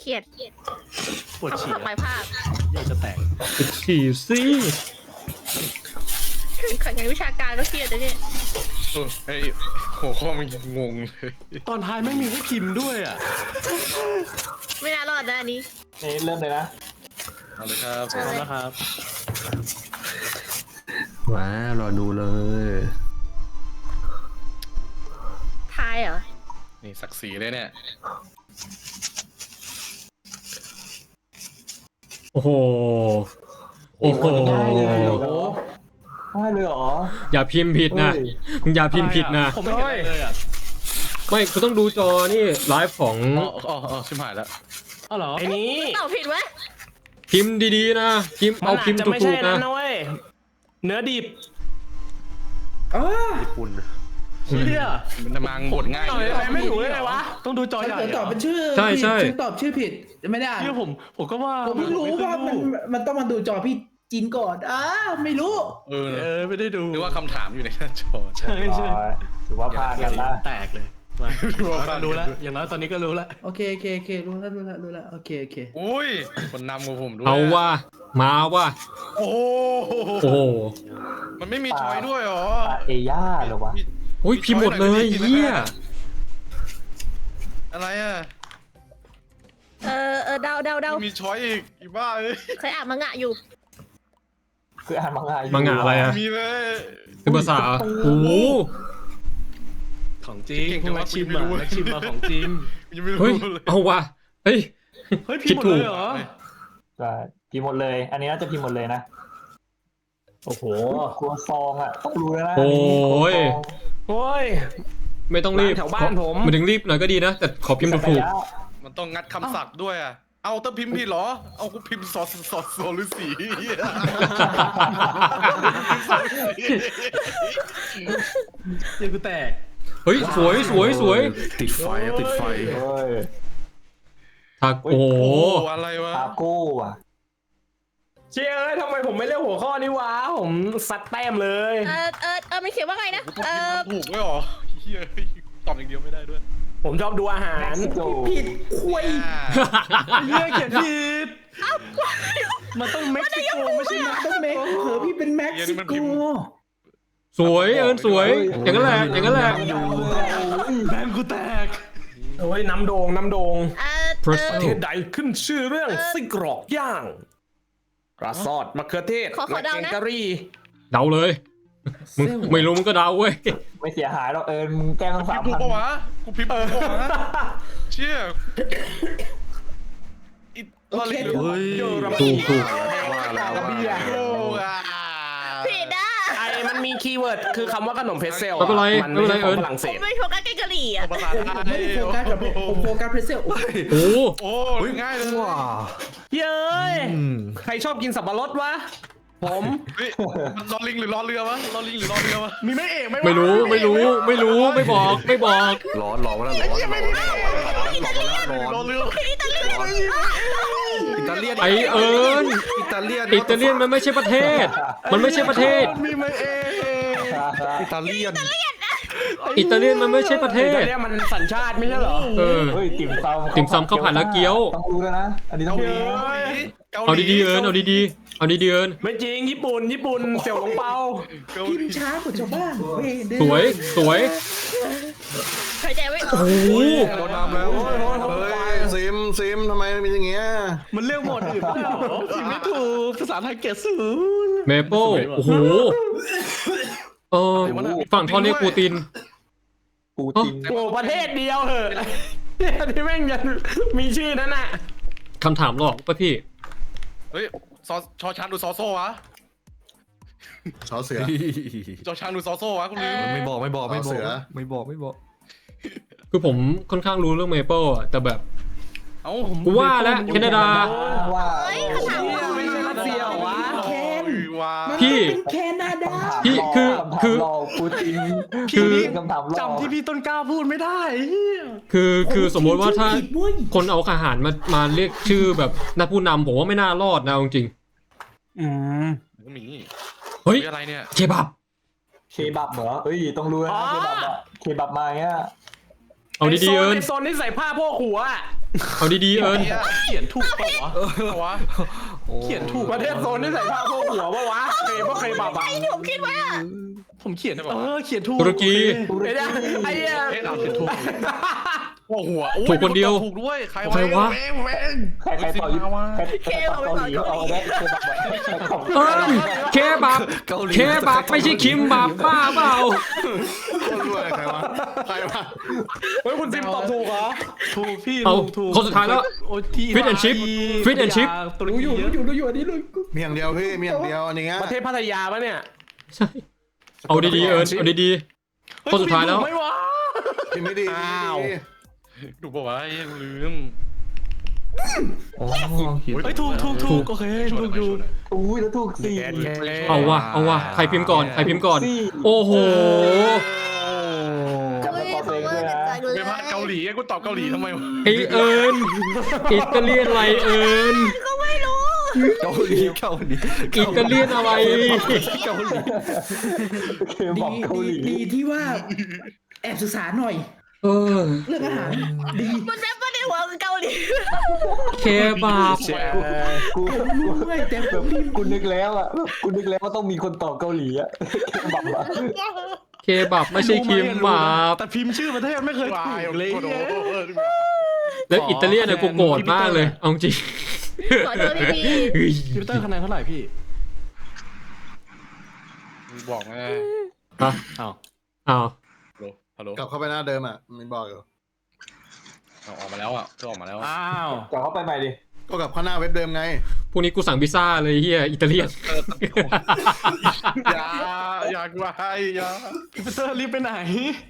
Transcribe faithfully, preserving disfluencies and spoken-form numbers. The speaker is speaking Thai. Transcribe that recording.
เครียดปวดฉี่ทำไมภาพอยากจะแตกฉี่สิขันงานวิชาการก็เครียดนะเนี่ยไอ้หัวข้อมันงงเลยตอนท้ายไม่มีให้พิมพ์ด้วยอ่ะไม่น่ารอดนะอันนี้นี่เริ่มเลยนะเอาเลยครับพร้อมนะครับว้ารอดูเลยทายเหรอนี่ศักดิ์ศรีเลยเนี่ยโอ้โหโอ้โหง่ายเลยเหรอง่ายเลยเหรออย่าพิมพ์ผิดนะเฮ้ยมึงอย่าพิมพ์ผิดนะผมไม่เห็นอะไรเลยอ่ะไม่กูต้องดูจอนี่ไลฟ์ของอ๋ออ๋ออ๋อชิบหายแล้วอ๋อเหรอไอ้นี้ตอบผิดวะพิมพ์ดีๆนะพิมพ์เอาพิมพ์จะไม่ถูใช่กๆนั้นะนนะเว้ยเนื้อดิบญี่ปุ่นเชี่ยมันจะมางบดง่ายหน่อยทำไมไม่ถูกได้ไงวะต้องดูจอใหญ่ผมตอบเป็นชื่อใช่ใช่ผิดตอบชื่อผิดไม่ได้อ่านเชี่ยผมผมก็ว่าผมเพิ่งรู้ว่ามันมันต้องมาดูจอพี่จีนก่อนอ้าไม่รู้เออเออไม่ได้ดูหรือว่าคำถามอยู่ในหน้าจอใช่ใช่ถือว่าพลาดกันละแตกเลยมารู้แล้วอย่างน้อยตอนนี้ก็รู้แล้วโอเคโอเคโอเครู้แล้วรู้แล้วรู้แล้วโอเคโอเคอุ้ยคนนำกับผมด้วยเอาว่ามาว่าโอ้โหโอ้โหมันไม่มีช้อยด้วยเหรอปาเอย่าเหรอวะโอ้ยพิมพ์หมดเลยเฮียอะไรอ่ะเออเออเดาเดาเดามีช้อยอีกอีบ้าเอ้ยเคยอ่านมังงะอยู่คืออ่านมังงะอยู่มังงะอะไรอะมีเลยคือภาษาโอ้โหของจริงพวกนักชิมอ่ะนักชิมมาของจริงยังไม่รู้เฮ้ยเลยเอาว่ะเฮ้ยเฮ้ยพิมพ์หมดเลยเหรอใช่พิมพ์หมดเลย อันนี้น่าจะพิมพ์หมดเลยนะโอ้โหครัวซองอ่ะต้องรู้แล้วนะโอ้ยโอ้ยไม่ต้องรีบร้านแถวบ้านผมมันถึงรีบหน่อยก็ดีนะ แต่ขอพิมพ์ถูกมันต้องงัดคำศัพท์ด้วยอ่ะเอาถ้าพิมพ์ผิดเหรอเอากูพิมพ์สอสอสอหรือสีเดี๋ยวกูแตกๆเฮ้ยสวยสวยสวยติดไฟอะติดไฟเฮ้ยทักโอ้โหโอ้อะไรวะทาโก้ว่ะเชี่ยเอ้ยทำไมผมไม่เลือกหัวข้อนี้วะผมซัดแต้มเลยเออเออเออมันเขียนว่าไงนะกูต้องเอพิมพ์อมันถูกไว้หรอเฮียตอบอย่างเดียวไม่ได้ด้วยผมชอบดูอาหารเม็กซิโกผิดคุยเฮียเขียนผิดมันต้องเม็กซิโกไม่ใช่มันต้องเม็กเผอพี่เป็นแม็กซิโกสวยเอิญสวย อย่างนั้นแหละอย่างนั้นแหละแบนกูแตกโอ้ยน้ำโดงน้ำโดงเออพระเออประเทศใดขึ้นชื่อเรื่องไส้กรอกย่างกระซอดมะเขือเทศขอขอและเดาแกงนะกะหรี่เดาเลยมึงไม่รู้มึงก็เดาเว้ยไม่เสียหายหรอกเอิญมึงแกล้งตั้งพิสามมพ์ถูกพันปะวะกูพิมพ์ถูกปะวะเชี่ยอิตาลีโอเคเฮ้ยเยอรมถูนีกถูกว่าแล้วกระเบียร์โอ้อ่ะผิดอ่ะไอ้มันมีคีย์เวิร์ดคือคำว่าขนมเพรสเซลไม่เป็นไรมันไม่เป็นไรใช่ของเอิญฝรั่งเศผมสไม่โฟกัสแกงกะหรี่อ่ะภาษาผมไทไม่ยได้โฟกัสกับผมโฟกัสเพรสเซลโอ้โอ้ง่ายเลยว้าเย้ยใครชอบกินสับปะรดวะผมเฮ้ยมันรอลิงหรือรอเรือวะรอลิงหรือรอเรือวะมีไม่เอกไหมวะไม่รู้ไม่รู้ไม่รู้ไม่บอกไม่บอกร้อนร้อนแล้วร้อนร้อนร้อนรอเรืออิตาเลียนอิตาเลียนไอเอิญอิตาเลียนอิตาเลียนมันไม่ใช่ประเทศ มันไม่ใช่ประเทศมีไม่เอกอิตาเลียนอิตาเลียนมันไม่ใช่ประเทศอิตาเลียนมันสัญชาติไม่ใช่เหรอเออเฮ้ยติ่มซำติ่มซำข้าวผัดแล้วเกี๊ยวต้องรู้แล้วนะ อันนี้ต้องรู้เอาดีๆเอิญเอาดีๆเอาดีๆเอิญไม่จริงญี่ปุ่นญี่ปุ่นเสี่ยวหลงเปาพิมพ์ช้ากว่าชาวบ้านเว้ยเด้อสวยสวยหายใจไว้โอ้โหโดนนำแล้วเฮ้ยซิมซิมทำไมเป็นอย่างเงี้ยมันเลือกหมดอื่นเปล่าพิมพ์ไม่ถูกภาษาไทยเกรดศูนย์เมเปิลโอ้โหเออฝั่งทอนเรียกปูตินปูตินโอ้ประเทศเดียวเหอะเนี่ยที่แม่งยังมีชื่อนั้นน่ะคำถามหลอกป่ะพี่เฮ้ยซอชอช้างดูซอโซ่วะชอเสือจอช้างดูซอโซ่วะคุณลืมไม่บอกไม่บอกไม่บอกไม่บอกไม่บอกคือผมค่อนข้างรู้เรื่องเมเปิลอะแต่แบบเอ้ากูว่าแล้วแคนาดาว่าเฮ้ยคำถามไม่ใช่รัสเซียเหรอวะแคนว่าพี่เป็นแคนาดาพี่คือคือรอปูตินคือคำถามรอจำที่พี่ต้นกล้าพูดไม่ได้คือคือสมมติว่าถ้าผิดเว้ยคนเอาอาหารมามาเรียกชื่อแบบนักผู้นำผมว่าไม่น่ารอดนะเอาจริงอืมหมีเฮ้ยอะไรเนี่ยเคบับเคบับเหรอเฮ้ยต้องรู้นะเคบับอะเคบับมาเงี้ยเอาดีๆเอิญไโซนที่ใส่ผ้าโพกหัวอะเอาดีๆเอิญเขียนถูกเปล่าวะเอาวะเขียนถูกประเทศโซนที่ใส่ผ้าโพกหัวปะวะเคยปะเคยบาบะไอ้ที่ผมคิดไว้อะผมเขียนเออเขียนถูกตุรกีโอเคไอ้เนี่ยไอ้เนี่ยเอ๊ะเราเขียนถูกโอ้หัวถูกคนเดียวถูกด้วยใครใครวะเว้งเว้งใครใครต่อยุใครใครต่อเกาหลีเอาได้เคยแบบเอิญเคบับเคบับไม่ใช่คิมบับบ้าเปล่าคนรวยใครวะใครวะเฮ้ยคุณซิมตอบถูกเหรอถูกพี่เอาถูกถูกคนสุดท้ายแล้วโอ้ที่ Fish and chip Fish and chip ตุรกีอยู่อยู่อยู่อันนี้เลยมีอย่างเดียวพี่มีอย่างเดียวอันนี้ประเทศพัทยาปะเนี่ยใช่เอาดีๆเอิญเอาดีๆคนสุดท้ายแล้วไม่วะพี่ไม่ดีอ้าวถูกปะวะยังลืมโอ้เฮ้ยถูกถูกถูกโอเคถูกอยู่อุ้ยแล้วถูกสี่เอาวะเอาวะใครพิมพ์ก่อนใครพิมพ์ก่อน โอ้โหกลับเฮ้มาย ตอบเขาเองว่าด้วยนะจังเลยเป็นพระเกาหลีไงกูตอบเกาหลีทำไมวะไอเอิญอิตาเลียนอะไรเอิญก็ไม่รู้เกาหลีเกาหลีอิตาเลียนอะไรเกาหลีเคยบอกเกาหลีดีที่ว่าแอบศึกษาหน่อยเออเรื่องอาหารดีมันแวบมาในหัวคือเกาหลีเคบับกูกูด้วยแต่แบบกูนึกแล้วอ่ะกูนึกแล้วว่าต้องมีคนตอบเกาหลีอ่ะแบบว่าเคบับไม่ใช่คิมบับแต่พิมพ์ชื่อประเทศไม่เคยถูวายกเลยโอ้โหแล้วอิตาเลียนเนี่ยกูโกรธมากเลยเอาจริงขอโทษพี่พีเฮ้ยพิวเตอร์คะแนนเท่าไหร่พี่บอกไงฮะอ้าวอ้าวฮัลโหลกลับเข้าไปหน้าเดิมอ่ะมันบอกอยู่เอาออกมาแล้วอ่ะก็ออกมาแล้วอ้าวกลับเข้าไปใหม่ดิก็กลับเข้าหน้าเว็บเดิมไงพรุ่งนี้กูสั่งพิซซ่าเลยเฮียอิตาเลียนอย่าอย่ากวายอย่าพิวเตอร์รีบไปไหน